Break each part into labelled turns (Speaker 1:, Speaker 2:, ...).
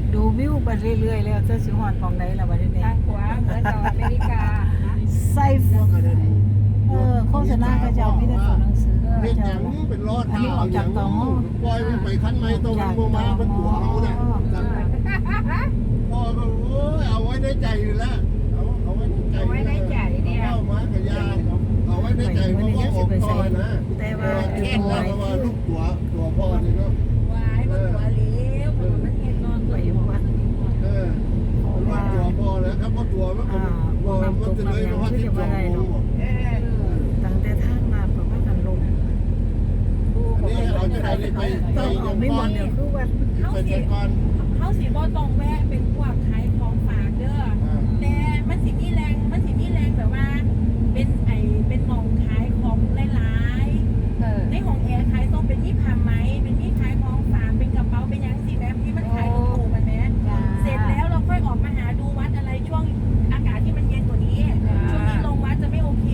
Speaker 1: ดูวิวไปเรื่อยๆแล้วจะสิฮอดของใดล่ะบัดนี้
Speaker 2: ทางขวาเหมือนกับอเมริกา
Speaker 1: ใส่โฆษณาเขาเจ้ามีแต่ตัวหนังสือ
Speaker 3: เฮ็ดห
Speaker 1: เจ้า
Speaker 3: ยังเป็นรอด
Speaker 1: อันนี้ออกจากตม
Speaker 3: ปล่อยมันไปคันไม้ตรงมันบ่มามันตัวเอาน่ะพ่อก็โอ้ยเอาไว้ในใจอยู่แล้วเอาไว้ในใจ
Speaker 2: เอาไว้ในใจเนี่ย
Speaker 3: เข้ามากระยาเอาไว้ในใจเพราะว่าออกต่อนะ
Speaker 1: แต่ว่า
Speaker 3: แค่นั้นเพราะว่าลูกตัวพ่อนี่เนาะ
Speaker 2: วายมันตัวเลี้ยวมันเห็นนอนตัวอยู่ว่า
Speaker 3: ลูกตัวพ่อแล้วครับเพราะตัวมันมันจะเลยว่าที่ตัว
Speaker 1: ตั้งแต่ทางมาประมาณกันลง
Speaker 3: นี่เราจะได้ไป
Speaker 1: ต้องเอาไม่หมดเดี๋ยวคือว่า
Speaker 2: เขาสิเขาสิบ่ต้องแวะเป็นพวกขายของฝากเด้อแต่มันสิมีแรงแบบว่าเป็นหม่องขายของหลายๆในห้องแอร์ขายต้องเป็นมีผ้าไหมเป็นมีขายของฝากเป็นกระเป๋าเป็นยังสิแบบที่มันขายถูกๆมันแม้เสร็จแล้วเราค่อยออกมาหาดูวัดอะไรช่วงอากาศที่มันเย็นกว่านี้ช่วงนี้ลงวัดจะไม่โอเค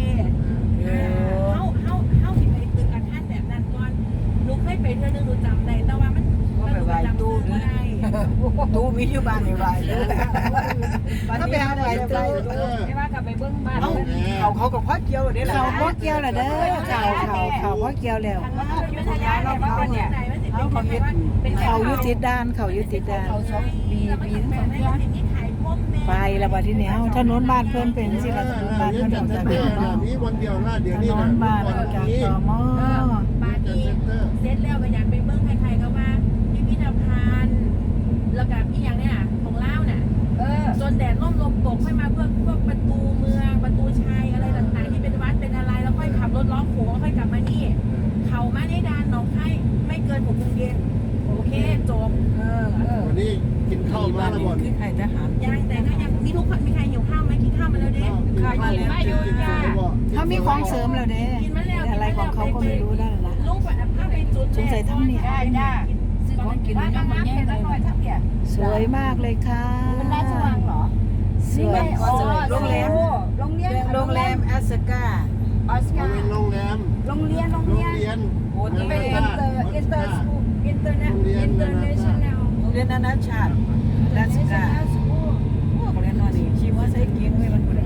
Speaker 2: เข้าสิไปตึกอาคารแบบนั้นก่อนหนูเคยไปเทื่อนึงหนูจำได้แต่ว่ามันจำตู้ไม่ได้
Speaker 1: ตู้มีอยู่บ้านนี่ไว้ถ้าไปหาไว้ตู้
Speaker 2: ไม่ว่ากลับไปเบิ้งบ้าน
Speaker 1: เขากับพ่อเกี่ยวเด้อเขาพ่อเกี่ยวแหละเด้อเขาพ่อเกี่ยวแล้ว
Speaker 2: ยุทธยาเราเป็นเนี่ยเขายึด
Speaker 1: เขายุติด้านเขายุติด้าน
Speaker 2: เขาชอบปีทั้งสองเรื่อง
Speaker 1: ไปแล้วบัดทีนี้ถนนบ้านเพิ่นเป็นสิล่ะถนนบ้านเพิ่นออกจากตม
Speaker 3: นี้วันเดียวหน้าเดี๋ยว
Speaker 1: ถ
Speaker 3: นี้
Speaker 1: นนบ้านออกจากตม
Speaker 2: บ้านนี้เสร็จแล้วก็อยากไปเบิ้งใครๆก็มาพิพิธภัณฑ์แล้วกับอีอย่างเนี่ยของเล่าน่ะจนแดดร่มลมตกค่อยมาเพื่อพวกประตูเมืองประตูชัยอะไรต่างๆที่เป็นวัดเป็นอะไรแล้วค่อยขับรถล้อโขงแล้วค่อยกลับมานี่เขามาในดานหนองไผ่ไม่เกิน6 โมงเย็นโอเคจบ
Speaker 3: วันนี้กินข้าวมาแล้วบ่
Speaker 1: คือไอ้ทหาร
Speaker 2: ยังแต่ก็ยังมีทุกคนมีใครหิวข้าวไหมกินข้าวมาแล้วเด้ข้าวกินมาอยู่จ้า
Speaker 1: เขามีของเสริมแล้วเด้อะไรของเขาก็ไม่รู้ได้ละ
Speaker 2: ลูกแบบผ้าไปจุด
Speaker 1: สงสัยทั้งนี้
Speaker 2: ได้ซื้อของกินน้ำมันแย่เลยทั้งเนี่ย
Speaker 1: สวยมากเลยค่ะ
Speaker 2: มันราชวังเหรอ
Speaker 1: สวยโรงแรม
Speaker 2: โรงแรม
Speaker 1: แอสกา
Speaker 2: ออส
Speaker 3: มั
Speaker 2: กาน
Speaker 3: เป็นโรงแรม
Speaker 2: โรงเรียน
Speaker 3: โอ้
Speaker 2: เป็นอินเตอร์สคูลอินเตอร์เนชั่นแนล
Speaker 1: โรงเรียนนานาชาติแอสกาโรงเรียนนอนนี่ชีวะใส่เกียงไว้มันบ่ได้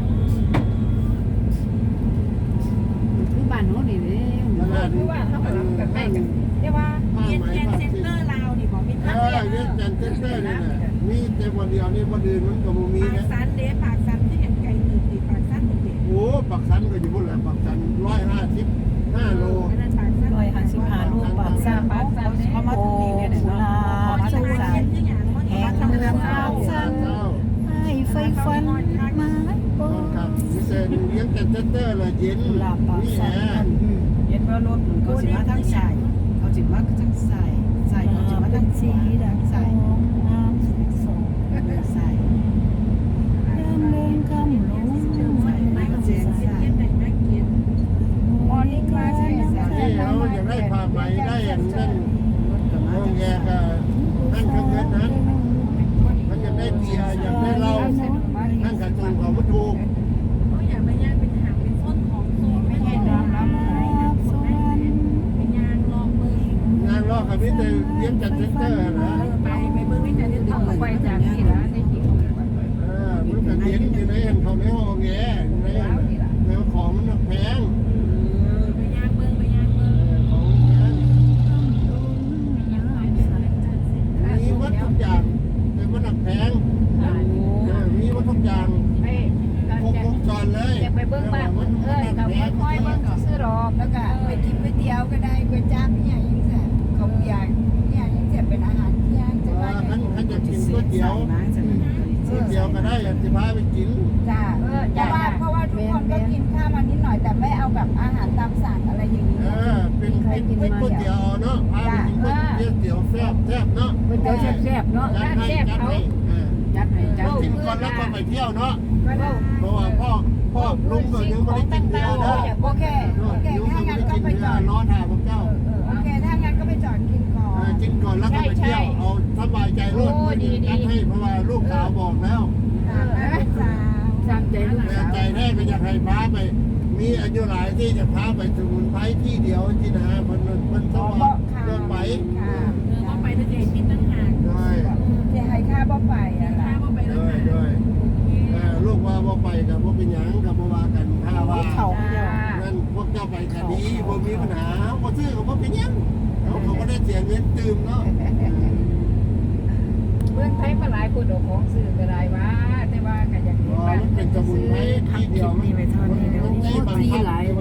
Speaker 4: คือบ้านโน้นนี่เด้
Speaker 2: คือว่าเขาแบบแม่กันเรียกว่าเรียนเซ็นเตอร์ลาวนี่บอกมีทั้ง
Speaker 3: เรียนจันเซ็นเตอร์นี่นะมีแต่วันเดียวนี่วันอื่นมันก็บ่มี
Speaker 2: ปาก
Speaker 3: นะ
Speaker 2: ซันเดปากซันที่เห็นไกลตื่นตีปากซันตื่นตี
Speaker 3: โอ้ปักสันก็อยู่พุ่นแหละปักสัน155 โล
Speaker 1: 155 ลูกปากซ่าเขามาถึงนี่เนี่ยเนาะเขามาถึงสายแหงเมืองปากซ่าให้ไฟฟันมาบ่
Speaker 3: ครับมีแต่เลี้ยงจันเซ็นเตอร์ละเย็น
Speaker 1: กุหลาบปากซ่าเย็นว่ารถเขาสิมาทางสายเขาสิมาทางสายเขาสิมาทางสีดักสายน้ำส่งสายเดินคำลงสายเสียงสาย
Speaker 2: มอร์นิ่งมาใช่ไหม
Speaker 3: ที่เราอยากได้ผ้าไหมได้อย่างนั้นห้องแยกนั่นข้างเงินนั้นมันอยากได้เบียร์อยากได้เหล้านั่นกระตุ้นของมันถูก
Speaker 2: เขาอยากไปย่างเป็นหางเป็นส้นของโซนไม่ใช่ดำน้ำเป็นยางลองมือง
Speaker 3: านรอกับพี่แต่เลี้ยงจัดเซ็นเตอร์นะ
Speaker 2: ไปเบิ่งไม่แต่เดี๋ยวต้องไปจากที่ร้านในที่
Speaker 3: มันก็เลี้ยงอยู่ในเขาในห้องแง่ในของมันแพง
Speaker 2: ไปย่างเบิ่ง
Speaker 3: ของแพงมีวัตถุกอย่างแต่มันแพงมีวัตถุกอย่างครบวงจรเลย
Speaker 2: ไปเบิ่งบ้านกับค่อยเบิ่งซื้อรอบแล้วก็ไปกินก๋วยเตี๋ยวก็ได้ก๋วยจั๊บเนี่ยยิ่งแซ่บเขาอยากเนี่ยยิ่งแซ่บเป็นอาหารเที่ยงจะว่า
Speaker 3: ท่านจะกินก๋วยเตี๋ยวก็ได้จะพาไปกิน
Speaker 2: จ้าเพราะว่าทุกคนก็กินข้าวมานิดหน่อยแต่ไม่เอาแบบอาหารตามสั่งอะไรอย่างนี้
Speaker 3: เป็นก๋วยเตี๋ยวเนาะพาไปกินก๋วยเตี๋ยวแซ่บเนาะ
Speaker 4: ก๋วยเตี๋ยวแซ่บๆเนาะ
Speaker 3: จัดให้กินก่อนแล้วก็ไปเที่ยวเนาะเพราะว่าพ่อลุงก็ยังไม่ได้กินเดียวนะ
Speaker 2: โอเค
Speaker 3: ลุงก็
Speaker 2: ถ้า
Speaker 3: ไม่
Speaker 2: งั้น
Speaker 3: ได้
Speaker 2: ก็
Speaker 3: กิน
Speaker 2: ไปจ
Speaker 3: เดีย
Speaker 2: อ
Speaker 3: ว
Speaker 2: ด
Speaker 3: นอนหาพวกเจ้า
Speaker 2: โอเคถ้างั้นก็ไปจอดกินก่อน
Speaker 3: กินก่อนแล้วก็ไปเที่ยวเอาสบายใจรถจัดให้เพราะว่าลูกสาวบอกแล้ว
Speaker 4: ตามใจลูก
Speaker 3: แต่
Speaker 4: สาว
Speaker 3: ใจแรกก็อยากให้พาไป มีอายุหลายที่จะพาไปสมุนไพรที่เดียวที่นะมันต้องเดินไป
Speaker 2: ก็ไปทะเลกินตั้งหาก
Speaker 3: ได้
Speaker 2: จะให้ข้าบ่ไป
Speaker 3: ปัญหาพอซื้อเขาก็เป็นยังเขาก็ได้เสียเงินตื่มเนาะ
Speaker 4: เมืองไทยมาหลายคนเอาของซื้อก็ได้ว่าแต่ว่าก็อยากเห็นบ้าน
Speaker 3: มันเป็นสมุนไพรที่เดียวมัน
Speaker 1: นี่ไปเท่านี้เดี๋ยว
Speaker 3: มัน
Speaker 1: นี้
Speaker 3: ได้บางพัน